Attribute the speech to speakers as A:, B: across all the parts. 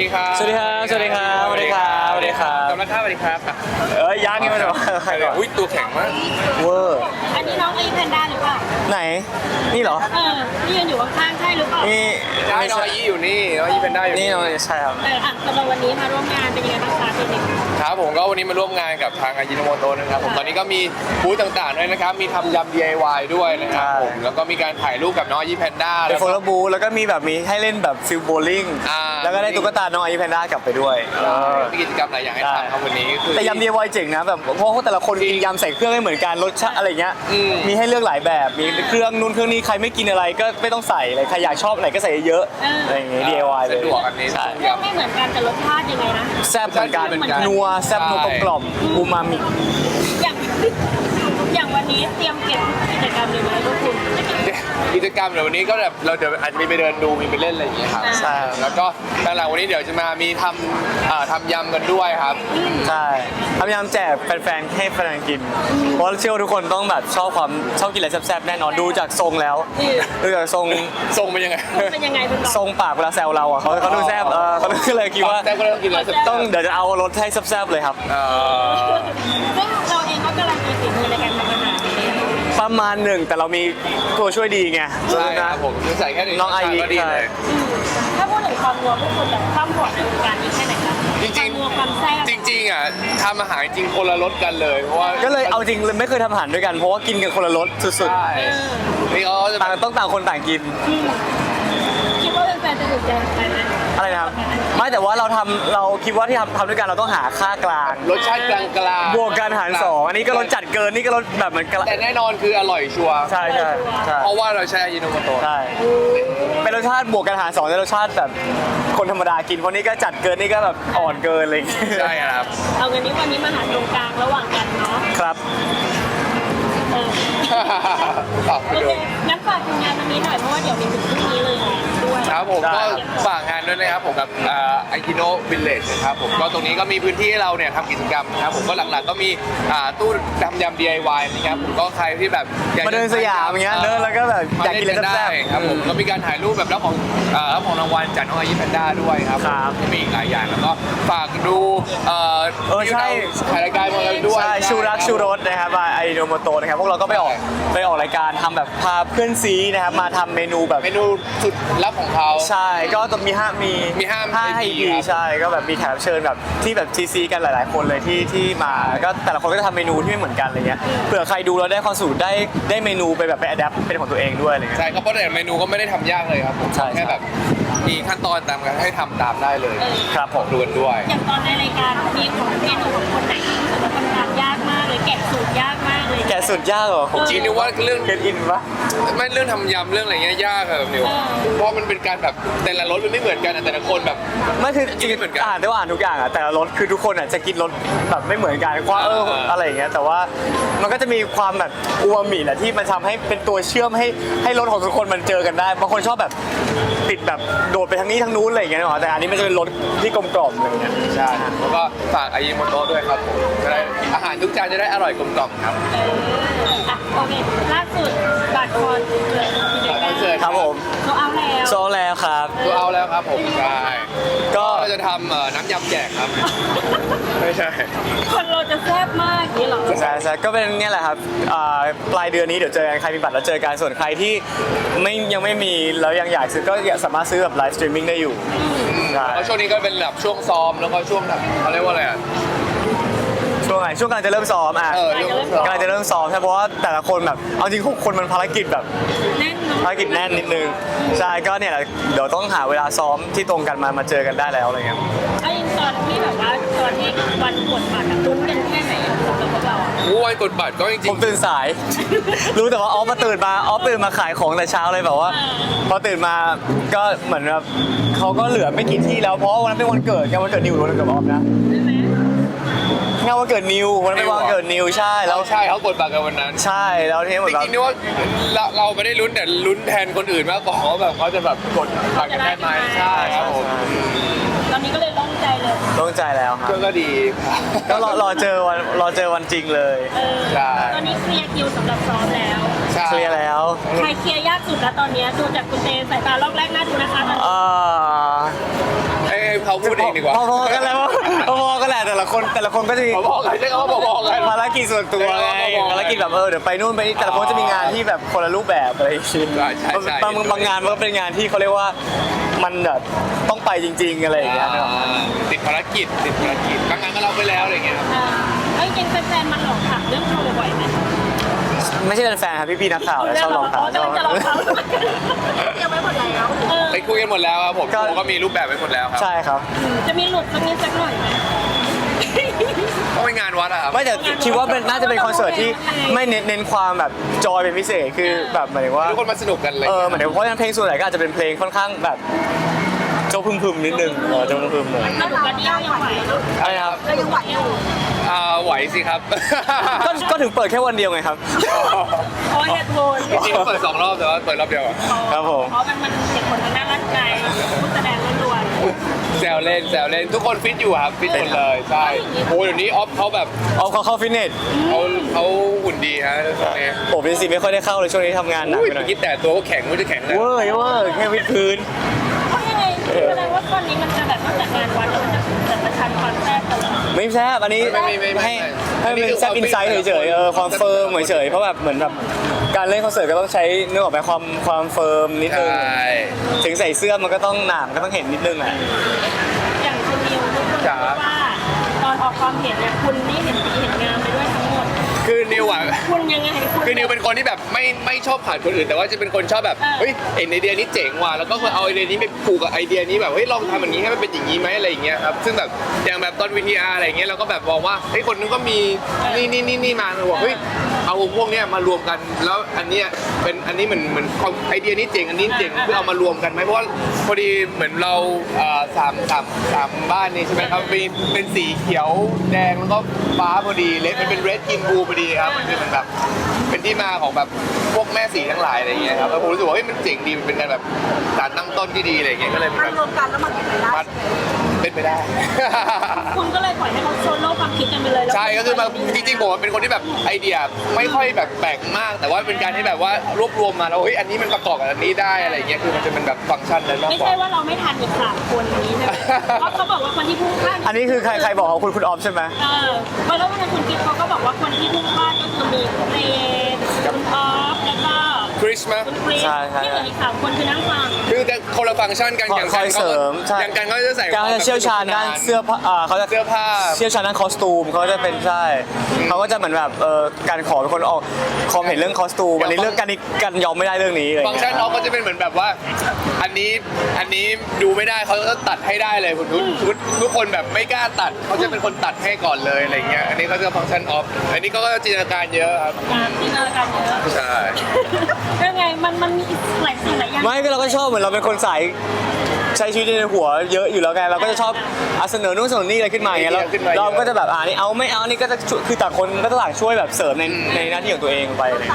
A: ดีครับ
B: สวัสดีครับสวัสดีครับสวัสดีครับสวัสดีครับ
A: กำลังข้าวสวัสดีครับ
B: ยังไงมันเหรอ
A: อุ้ยตัวแข็งมาก
B: เวอร์
C: อันนี้น้องไอแพนด้าหรือเปล่า
B: ไหนนี่เหรอ
C: ที่ยืนอยู่ข้างๆใช่หรือเปล่า
B: นี่
A: ได้น้องอายี่อยู่นี่น้องอายี่เป็นได้อยู่
B: นี่น้องใช่ครับ
C: สำหรับวันนี้มาร่วมงานเป็นยังไงบ้างคะพี่นิก
A: ครับผมก็วันนี้มาร่วมงานกับทางอายิโนโมโตะนะครับผมตอนนี้ก็มีบูธต่างๆด้วยนะครับมีทำยำ DIY ด้วยนะครับผมแล้วก็มีการถ่ายรูปกับน้องอายี่แพนด้า
B: เป็นโฟโต้บูธแล้วก็มีแบบมีให้เล่นแบบฟิลโบว์ลิ่ง แล้วก็ได้ตุ๊กตาน้องไอแพนด้ากลับไปด้วย
A: มีกิจกรรมหลายอย่างให้ทำครับวันนี้คือ
B: แต่ยำ DIY เจ๋งนะแบบเพราะแต่ละคนกินยำใส่เครื่องไม่เหมือนกันรสชาติอะไรเงี้ย
A: อืม
B: มีให้เลือกหลายแบบมีเครื่องนู้นเครื่องนี้ใครไม่กินอะไรก็ไม่ต้องใส่เลยใครอยากชอบอะไรก็ใส่เยอะๆอะไรอย่างเงี้ย DIY เลย
A: สะดวกอันนี้
B: ใช่
C: เรื่องไม่เหมือนกันแต่รสชาติยังไงนะ
B: แซ่บเหมือนกัน
A: เหมือนกัน
B: นัวแซ่บนัวกลมๆอูมามิ
C: อย่างอย่างวันนี้เตรียมเก็บกิจกรรมเลยไหมทุกคน
A: กิจกรรมเดี๋ยววันนี้ก็แบบเราเดี๋ยวอาจจะมีไปเดินดูมีไปเล่นอะไรอย่างเงี้ยครับ
B: ใช่
A: แล้วก็หลังๆวันนี้เดี๋ยวจะมามีทำยำกันด้วยครับ
B: ใช่พยายามแจกแฟนๆให้แฟนๆกิน เพราะเชื่อว่าทุกคนต้องแบบชอบกินอะไรแซ่บๆแน่นอนดูจากทรงแล้วดูจากทรง
A: ทรงเป็นยังไง
C: เป็นยังไงคุณน้อง
B: ทรงปากเวลาแซวเราอ่ะเขาดูแซ่บเขาก็เลยคิดว่า
A: แซ่บก็ต้องกินอะไรแซ่บ
B: ต้องเดี๋ยวจะเอารสให้แซ่บๆเลยครับ
C: ซึ่งเราเองก็กำลังมีฝีมือในการทำอาหาร
B: ประมาณหนึ่งแต่เรามีตัวช่วยดีไง
A: ใช่ครับผมคือใส่แค่หนึ่ง
B: น้องไอริ
A: ก็ดีเลย
C: ถ้าพูดถึงความนัวพวกคุณแบบความหวานในวงการนี้แค่ไหนคะ
A: จริงๆ
C: ความนัวความแซ่บ
A: จริงๆอ่ะทำอาหารจริงคนละรสกันเลยเพราะว่า
B: ก็เลยเอาจริงเลยไม่เคยทำอาหารด้วยกันเพราะว่ากินกันคนละรสสุด
A: ใช่นี่เขาจะ
B: ๆต่างต้องต่างคนต่างกิน
C: คิดว่าแฟนๆจะถูกใจไหม
B: อะไรนะครับไม่แต่ว่าเราคิดว่าที่ทำด้วยกันเราต้องหาค่ากลาง
A: รสชาติกลางๆ
B: บวกกันหารสองอันนี้ก็รสจัดเกินนี่ก็รสแบบเหมือนกัน
A: แต่แน่นอนคืออร่อยชัวร์
B: ใช่ใช่ใช่
A: เพราะว่าเราใช้อายิโนโมโตะ
B: ใช่เป็นรสชาติบวกกันหารสองแต่รสชาติแบบคนธรรมดากินเพราะนี่ก็จัดเกินนี่ก็แบบอ่อนเกินอะไรอย่างเลย
A: ใช่ครับ
C: เอาเงินนี้วันนี้มาหาตรงกลางระหว่างกันเนาะ
B: ครับ
A: ฝากไป
C: โอ
A: ดู
C: เคงั้นฝากถึงงานวันนี้หน่อยเพราะว่าเดี๋ยวมีถึงพรุ่งนี้เลยด้วย
A: ครับผม
B: ได้
A: ก็ฝากงานด้วยนะครับผมกับอากิโนวิลเลจนะครับผมก็ตรงนี้ก็มีพื้นที่ให้เราเนี่ยทำกิจกรรมนะครับผมก็หลักๆก็มีตู้ทำยำ DIY นะครับผมก็ใครที่แบบอยกจะ
B: มาเดินสยามอย่างเงี้ยเดินแล้วก็แบบอยากกินอะไร
A: ได้
B: แซ่บ
A: ครับผมก็มีการถ่ายรูปแบบรับของรางวัลจากน้องอายิแพนด้าด้วยครับ
B: ครับ
A: มีอีกหลายอย่างแล้วก็ฝากดู
B: ใช่
A: ถ่ายรายการมาแล้วด้วย
B: ใช่ชูรักชูรสนะครับไอโนโมโตนะครับพวกเราก็ไปออกรายการทำแบบพาเพื่อนซีนะครับมาทำเมนูแบบ
A: เมนูสุดลับของเขา
B: ใช่ก็ต้องมีห้า
A: EP
B: EP
A: ครับ
B: ใช่ก็แบบมีแขกรับเชิญแบบที่แบบซีกันหลายๆคนเลยที่มาแล้วก็แต่ละคนก็จะทำเมนูที่ไม่เหมือนกันอะไรเงี้ยเผื่อใครดูแล้วได้ความสูตรได้เมนูไปแบบไปอัดแอปเป็นของตัวเองด้วยอะไรเงี้ย
A: ใช่ครับเพราะแต่เมนูก็ไม่ได้ทำยากเลยครับผม
B: ใช่
A: แค่แบบมีขั้นตอนตามกันให้ทำตามได้เลย
B: ครับผม
A: ดูกันด้วย
C: อย่างตอนในรายการมีของเมนูของคนไหนที่รู้สึกว่าทำตามยากมากเลยแกะสูตรยากมากเลย
B: แกะสุดยากเหรอผม
A: จริงนึกว่าเรื่อง
B: เก็ตอินปะ
A: ไม่เรื่องทำยำเรื่องอะไรเงี้ยยากอะนิวเพราะมันเป็นการแบบแต่ละรสมันไม่เหมือนกันอะแต่ละคนแบบ
B: ไม่คือจริง
A: ไม่เหมือนกัน
B: อ่านได้ว่าอ่านทุกอย่างอ่ะแต่ละรสคือทุกคนอ่ะจะกินรสแบบไม่เหมือนกันว่าอะไรอย่างเงี้ยแต่ว่ามันก็จะมีความแบบอูมามิแหละที่มันทำให้เป็นตัวเชื่อมให้รสของทุกคนมันเจอกันได้บางคนชอบแบบติดแบบโดดไปทางนี้ทางนู้นอะไรอย่างเงี้ยเนาะแต่อันนี้มันจะเป็นรสที่กลมกล่อมอะไรอย่างเงี้ย
A: ใช่แล้วก็ฝากอายิโมโตะด้วยครับผมจะได้อาหารทุกจานจะได้อร่อยกลมกล่อมครับ
C: โอเคล่าสุดบัตรคอนเสิร์ตกิจกรรม
B: ครับผม
C: เขาเอาแล้ว
B: โซแล้วครับ
A: ตัวเอาแล้วครับผมใช่
B: ก็
A: เราจะทำน้ำยำแจกครับ ไม่ใช่
C: คนเราจะแซ่บมากนี่หรอ
B: ใช่ก็เป็นเนี่ยแหละครับปลายเดือนนี้เดี๋ยวเจอกันใครมีบัตรแล้วเจอกันส่วนใครที่ยังไม่มีแล้วยังอยากซื้อก็สามารถซื้อแบบไลฟ์สตรีมมิ่งได้อยู่ใช่
A: แล้วช่วงนี้ก็เป็นแบบช่วงซ้อมแล้วก็ช่วงแบบเขาเรียกว่าอะไรอ่ะ
B: ช่วงไหนช่วงกำลังจะเริ่มซ้อมอ่ะ กำลังจะเริ่มซ้อมใช่เพราะว่าแต่ละคนแบบเอาจริง6คนมันภารกิจแบบ
C: แน่นเนาะ
B: ภารกิจแน่นนิดนึงใช่ก็เนี่ยแหละเดี๋ยวต้องหาเวลาซ้อมที่ตรงกันมาเจอกันได้แล้วอะไรเงี้ย
C: ไอ้ตอนที่แบบว่าตอนที่วันกดบัตรลุ้นกันแค่ไหนสำหรับพวกเรา
A: วันกดบัตรก็จริ
B: ผ
A: ง
B: มตื่นสาย รู้แต่ว่าออฟตื่นมาขายของแต่เช้าเลยแบบว่าพอตื่นมาก็เหมือนแบบเขาก็เหลือไม่กี่ที่แล้วเพราะวันนั้นเป็นวันเกิดไงวันเกิดนิวหรือวันเกิดออฟนะ
C: ใช่ไหม
B: งานวันเกิดนิววันนั้นเป็นวันเกิดนิวใช่
A: ๆ
B: แล้
A: เรา
B: ว
A: ใช่เขากดบัตรกันวันนั้น
B: ใช่แล้วทีนี้เหมือน
A: จ
B: แบบ
A: ริงๆนี่ว่าเราไม่ได้ลุ้นแต่ลุ้นแทนคนอื่นมากกว่าว่าแบบเขาจะแบบกดบัตรกันได้ไหมใช่ครับผม
C: ตอนนี้ก็เลยต้องใจเลย
B: ต้องใจแล้วครับ
A: ก็ดี
B: ก็รอเจอวันจริงเลย
A: ใช่
C: ตอนนี้เคลียร์คิวสำหรับซ้อมแล้ว
A: ใช่
B: เคลียร์แล้ว
C: ใครเคลียร์ยากสุดแล้วตอนนี้ดูจากคุณเตสายตารอบแรกน่าดูนะคะตอนนี้
B: เอ่อ
A: ให้ให้เขาพูดเองดีกว่า
B: พอๆกันแล้วพอๆกันแหละแต่ละคนก็จะมี
A: พอๆกันใช่คำว่าพอๆกัน
B: ภารกิจส่วนตัวไง
A: พอๆกัน
B: ภารกิจแบบเดี๋ยวไปนู่นไปนี่แต่ละคนจะมีงานที่แบบคนละรูปแบบอะไรอย่างเงี้ย
A: ใช่
B: บางงานมันก็เป็นงานที่เขาเรียกว่ามันแบบต้องไปจริง ๆอะไรอย่างเงี้ยนะครับ
A: ติดภารกิจบางงานก็เราไปแล้วอะไรเงี้ยครับ
C: แล้วจริงๆแฟนๆมันหลอกถามเรื่องโชว์บ่อยไหม
B: ไม่ใช่แฟนครับพี่ๆนักข่าวนะชอบลองถาม
C: จะลองเขาเตรียมไว้หมดแล้ว
A: ไปคุยกันหมดแล้วครับผมผมก็มีรูปแบบไว้หมดแล้วครับ
B: ใช่ครับ
C: จะมีหลุดสักนิดสักหน่อยไหม
A: ต้องไปงานวัดอะครับ
B: ไม่แต่คิดว่าเป็นน่าจะเป็นคอนเสิร์ตที่ไม่เน้นความแบบจอยเป็นพิเศษคือแบบหมายถึงว่า
A: ทุกคนมาสนุกกันเลย
B: เหมือนเพราะฉะนั้นเพลงส่วนใหญ่ก็อาจจะเป็นเพลงค่อนข้างแบบโจ๊กพึมๆนิดนึงโจ๊กพึมๆหน่อย
C: แล้วหนูก็เดียวยังไหว
B: อะไรครับ
C: ก็ยังไหวอยู่
A: ไหวสิครับ
B: ก็ถึงเปิดแค่วันเดียวไงครับ
C: เพราะเหตุผล
A: จริงๆเปิด2 รอบแต่ว่าเปิดรอบเดียวอะ
B: ครับผม
C: เพราะมันเหตุผลทางด้านร่างกายผู้แสดงล้วน
A: แซวเล่นทุกคนฟิตอยู่ครับฟิตหมดเลยใช่โอ้เดี๋ยวนี้ออฟเขาแบบ
B: เอาเขาเข้าฟิตเนส
A: เขาหุ่นดีฮะตอนนี้
B: ผมเป็นสิไม่ค่อยได้เข้าเลยช่วงนี้ทำงานหนัก
A: อุ้ย
B: ไปหน่อย
A: คิดแต่ตัวก็แข็งไม่จะแข็งเลย
B: เวอร์แค่วิดพื้น
C: ๆเพราะยังไงแสดงว่าตอนนี้มันจะแบบนอกจากงานวัดแล้วมันจะจัดประชันความแซ่บตลอด
B: ไม่แซ่บอันนี้ให้เป็นแซ่บอินไซต์เฉยๆความเฟิร์มเฉยๆเพราะแบบเหมือนแบบการเล่นคอนเสิร์ตก็ต้องใช้เนื้อออกไปความเฟิร์มนิดนึง
A: ใช่
B: ถึงใส่เสื้อมันก็ต้องหนามก็ต้องเห็นนิดนึงอ่ะ
C: อย่างคุณนิวทุกคนบอกว่าตอนออกความเห็นเนี่ยคุณนี่เห็นดีเห็นงามไปด้วยทั้งหมด
A: คือนิวอะ
C: คุณยังไงคุณ
A: คือนิวเป็นคนที่แบบไม่ชอบผ่านคนอื่นแต่ว่าจะเป็นคนชอบแบบเฮ้ยเห็นไอเดียนี้เจ๋งว่ะแล้วก็เอาไอเดียนี้ไปผูกกับไอเดียนี้แบบเฮ้ยลองทำอย่างนี้ให้มันเป็นอย่างนี้ไหมอะไรอย่างเงี้ยครับซึ่งแบบอย่างแบบตอน VTR อะไรอย่างเงี้ยเราก็แบบมองว่าเฮ้ยคนนึงก็มีนี่มาเราบอกเฮ้ยเอาพวกเนี้ยมารวมกันแล้วอันเนี้ยเป็นอันนี้เหมือนไอเดียนี้เจ๋งอันนี้เจ๋งคือเอามารวมกันไหมเพราะว่าพอดีเหมือนเราสามบ้านนี่ใช่ไหมครับเป็นสีเขียวแดงแล้วก็ฟ้าพอดีเลดมันเป็นเรดกินบูพอดีครับมันคือเหมือนแบบเป็นที่มาของแบบพวกแม่สีทั้งหลายอะไรอย่างเงี้ยครับแล้วผมรู้สึกว่าเฮ้ยมันเจ๋งดีมันเป็นการแบบสารตั้งต้นที่ดีอะไรอย่างเงี้ยก็เลย
C: มันรวมกันแล้วมันเป็นไปได้
A: มันเป็นไปได้
C: คุณก็เลยปล่อยให้เขาโซโล่ความคิดกันไปเลยแล้ว
A: ใช่ก็คือมาจริงๆผมเป็นคนที่แบบไอเดียไม่ค่อยแบบแปลกมาก แต่ว่าเป็นการที่แบบว่ารวบรวมมาแล้วเฮ้ยอันนี้มันประกอบกับอันนี้ได้อะไรอย่างเงี้ยคือมันจะเป็นแบบฟังก์ชันนั้นมาก
C: ไม่
A: กว่า
C: ใช่ว่าเราไม่ทันอีก3 คนนี้ใช่ไหมเพราะเขาบอกว่าคนที่พุ่งพลาด
B: อันนี้คือใครบอกว่าคุณออฟใช่ไหม
C: เพราะแล้ววันนั้นคุณกิ๊กเขาก็บอกว่าคนที่พุ่งพลาดก็คือมีคุณเรนคุณออฟแล้วก็
A: คริสมา
C: คุณคริสที่เหลืออีก3 คนคือนั่งฟัง
A: คือจะคนละฟังก์ชันกันอย่าง
B: คอยเสริมใช่
A: อย่างกันเขาจะใส่
B: การจะเชี่ยวชาญด้านเสื้อผ้าเขาจะ
A: เสื้อผ้า
B: เชี่ยวชาญด้านคอสตูมเขาจะเป็นใช่เขาก็จะเหมือนแบบการขอเป็นคนออกความเห็นเรื่องคอสตูมอันนี้เรื่องกันยอมไม่ได้เรื่องนี้อะไร
A: ฟังก์ชันเขาก็จะเป็นเหมือนแบบว่า อันนี้ดูไม่ได้เขาก็ตัดให้ได้เลยทุกคนแบบไม่กล้าตัดเขาจะเป็นคนตัดให้ก่อนเลยอะไรเงี้ยอันนี้เขาจะฟังก์ชันออฟอันนี้เขาก็จินตนาการเยอะครับ
C: การจินตนาการเยอะ
A: ใช่
C: ยังไงมันมีหลายสิ่งหลายอย่าง
B: ไม่ก็เราก็ชอบเหมือนเราเป็นคนสายใช้ชีวิตในหัวเยอะอยู่แล้วไงเราก็จะชอบเสนอนู่นเสนอนี่อะไรขึ้นมาอย่างเงี้ยเราก็จะแบบนี่เอาไม่เอานี่ก็จะคือต่างคนก็ต่างช่วยแบบเสริมในหน้าที่ของตัวเองไปเลย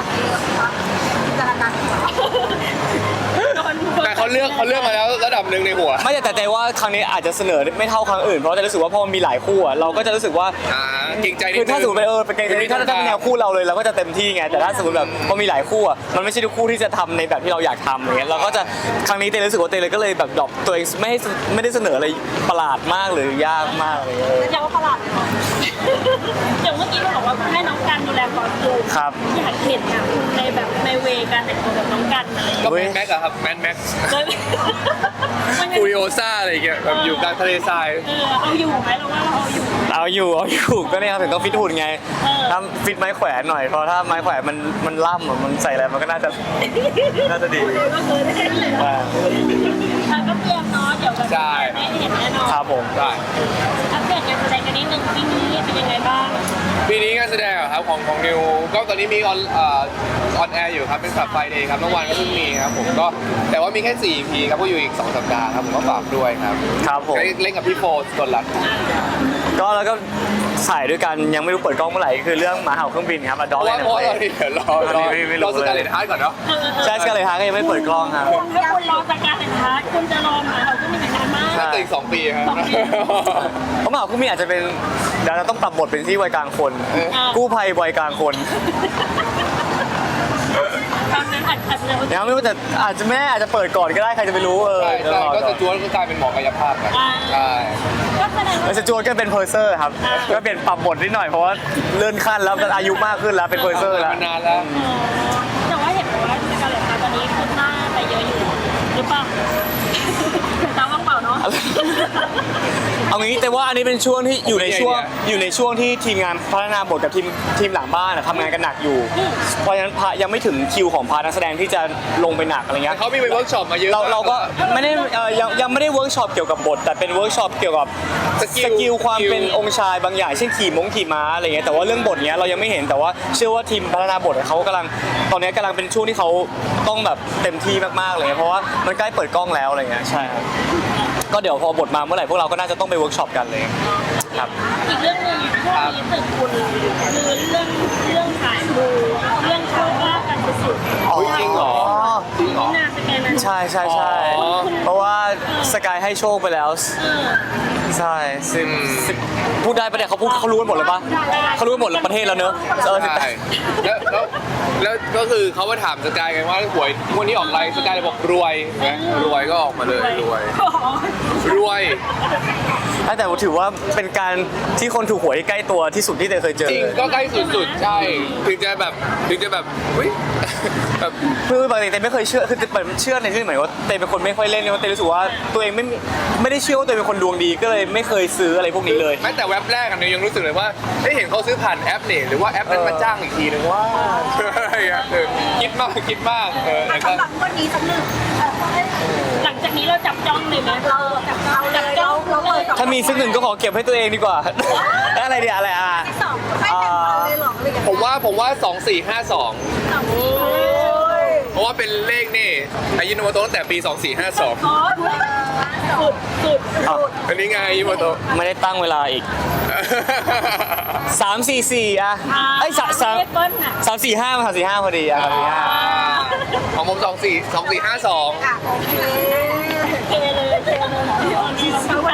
A: แต่เขาเลือกมาแล้วระดับหนึ่งในหัว
B: ไม่แต่ว่าครั้งนี้อาจจะเสนอไม่เท่าครั้งอื่นเพราะจะรู้สึกว่าพอมันมีหลายคู่เราก็จะรู้สึกว่า
A: เกรงใจนิด
B: คื
A: นึ
B: อง ถ้าสมมติเป็นเกรงใจถ้าเป็นแนวคู่เราเลยเราก็จะเต็มที่ไงแต่ถ้าสมมติแบบพอมีหลายคู่มันไม่ใช่ทุกคู่ที่จะทำในแบบที่เราอยากทำอย่างเงี้ยเราก็จะครั้งนี้เต้รู้สึกว่าเต้เลยก็เลยแบบดรอปตัวเองไม่ได้เสนออะไรประหลาดมากหรือยากมากอะไรเงี้ย
C: อย่างว่าประหลาดเลยเหรออย่างเมื่อกี้เราบอกว่าให้น้องกันดูแลคอสตูม
B: ครับ
C: อยากเห็นนะคุณในแบบในเวการแต่งตัวแบบน้องกันอะไรอย่าง
A: ก็
C: เงี้ย
A: แมนแม็กอะครับแมนแม็ก
C: เลยมันยัง
A: ฟูริโอซ่าอะไรอย่างเงี้ยแบบอยู่กลางทะเลทราย
C: เอาอยู่ไหมเราว่าเราเอาอยู่
B: เอาอยู่ก็เนี่ยครับถึงต้องฟิตหุ่นไงถ้าฟิตไม้แขวนหน่อยเพราะถ้าไม้แขวนมันล่ำมันใส่อะไรมันก็น่าจะดี
C: ก็คือได้เลยก็เตรียมเนาะเดี๋ยวแบบได้เห็นแน่นอน
B: ครับผม
A: ใช่
C: อัปเดตการแสดงกันนิดนึงปีนี้เป็นยังไงบ้าง
A: ปีนี้งานแสดงอะครับของนิวก็ตอนนี้มีออนแอร์อยู่ครับเป็นสับไฟเดย์ครับเมื่อวานก็เพิ่งมีครับผมก็แต่ว่ามีแค่4 EP ครับก็อยู่อีก2 สัปดาห์ครับผมก็ฝากด้วยครับ
B: ครับผม
A: เล่นกับพี่โฟสกลรัตน์
B: ก็แล้วก็ถ่ายด้วยกันยังไม่รู้เปิดกล้องเมื่อไหร่คือเรื่องหมาเห่าเครื่องบินครับอดอล
A: เพ
B: เล
A: ราะ
B: น
A: ว่า
B: ด์
A: เดี๋ยวรอสกาเลตฮาร์ดก่อนเนาะ
B: ใช่สกาเลยฮาร์ก็ยังไม่เปิดกล้องครับ
C: ถ้าคุณรอจากการแต่งท้ายคุณจะรอหมาเราก็ไม่เป็นนานมาก
A: น่าจะอีก2 ปีครับ
B: เพราะหมาเห่าเครื่องบินอาจจะเป็นเดี๋ยวเราต้องปรับบทเป็นที่วัยกลางคนกู้ภัยวัยกลางคน
C: ตอนนั้นอาจจะ
B: ยังไม่รู้แต่อาจจะแม่อาจจะเปิดก่อนก็ได้ใครจะไปรู้
A: ใช่
B: เดี๋ยว
A: ใช่
B: รอ
A: ก็
B: ก่อ
A: ส
B: น
A: จวตก็กลายเป็นหมอกายภาพครับใช่
C: ก็แสดงว่า
B: สจวตก็เป็นเพอร์เซอร์ครับก็เปลี่ยนปรับบทนิดหน่อยเพราะว่าเลื่อนขั้นแล้วอายุมากขึ้นแล้วเป็นเพอร์เซอร์แล้ว
A: มานานแล้ว
C: แต่ว่าเห็นบอกว่าสการ์เล็ตตอนนี้ขึ้นหน้าไปเยอะอยู่หรือเปล่าตามว่างเปล่าเนาะ
B: เอางี้แต่ว่าอันนี้เป็นช่วงที่อยู่ในช่วงที่ทีมงานพัฒนาบทกับทีมหลังบ้านทำงานกันหนักอยู่ เพราะฉะนั้นยังไม่ถึงคิวของพาร์ทนักแสดงที่จะลงไปหนักอะไรเงี้ย
A: เขามีไปเวิร์กช็อปมาเยอะ
B: เราก็ไม่ได้ยังไม่ได้เวิร์กช็อปเกี่ยวกับบทแต่เป็นเวิร์กช็อปเกี่ยวกับสกิลความเป็นองค์ชายบางอย่างเช่นขี่ม้าอะไรเงี้ยแต่ว่าเรื่องบทเนี้ยเรายังไม่เห็นแต่ว่าเชื่อว่าทีมพัฒนาบทเขากำลังตอนนี้กำลังเป็นช่วงที่เขาต้องแบบเต็มที่มากๆเลยเพราะว่ามันใกล้เปิดกล้องแล้วอะไรเงี้ยใช่ครับก็เดี๋ยวพอบทมาเมื่อไหร่พวกเราก็น่าจะต้องไปเวิร์กช็อปกันเลยครับ
C: อีกเรื่องหนึงช่วงนี้ตึกคุณคือเรื่องขายมูเรื่องโชคลาภกันสุดๆ
A: อุ๊ยจริงเหรอจริงเหรอ
C: นี่นาสแกนนั้น
B: ใช่
A: อ๋อ
B: เพราะว่าสกายให้โชคไปแล้ว ใช่พูดได้ปะเนี่ยเขารู้กันหมดเลยปะเขารู้กันหมดประเทศแล้วเนอะ
A: ใช่แล้วก็คือเขามาถามสกายกันว่าหวยงวดนี้ออกไรสกายเลยบอกรวยนะรวยก็ออกมาเลยรวย
B: แต่ถือว่าเป็นการที่คนถูกหวยใกล้ตัวที่สุดที่เตยเคยเจอ
A: จริงก็ใกล้สุดๆใช่ถึงจะแบบเฮ้ยแบบ
B: คือปกติเตยไม่เคยเชื่อคือแบบเชื่อในที่หมายว่าเตยเป็นคนไม่ค่อยเล่นเตยรู้สึกว่าตัวเองไม่ได้เชื่อว่าตัวเองเป็นคนดวงดีก็เลยไม่เคยซื้ออะไรพวกนี้เลย
A: แม้แต่เว็บแรกอันนี้ยังรู้สึกเลยว่าได้เห็นเขาซื้อผ่านแอปนี่หรือว่าแอปนั้นมาจ้างอีกทีนึงว่าคิดมากแล้วก็
D: สำหรับวันนี้สักหนึ่ง
C: หลังจากนี้เราจับจ้องเลยไหมเราจับจ้อง
D: เราเปิดสอง
B: ถ้ามีสักหนึ่งก็ขอเก็บให้ตัวเองดีกว่า อะไรเดียอะไรอ่ะ
D: สองให้แต่งเราเลยเหรอหรือยังไง
A: ผมว่า2452เพราะว่าเป็นเลขนี่อายุโนโมโตะตั้งแต่ปี 2452
C: อ๋อสุด
A: อันนี้ไงอายุโนโมโตะ
B: ไม่ได้ตั้งเวลาอีก 3-4-4อ่ะไอ้ย
C: เลขเบิ้ลน่ะ
B: 3-4-5 มา3-4-5พอดีอ่ะ3-4-5
A: ของผม2452
D: อ่ะโอเค
C: เทเลย
D: เพราะ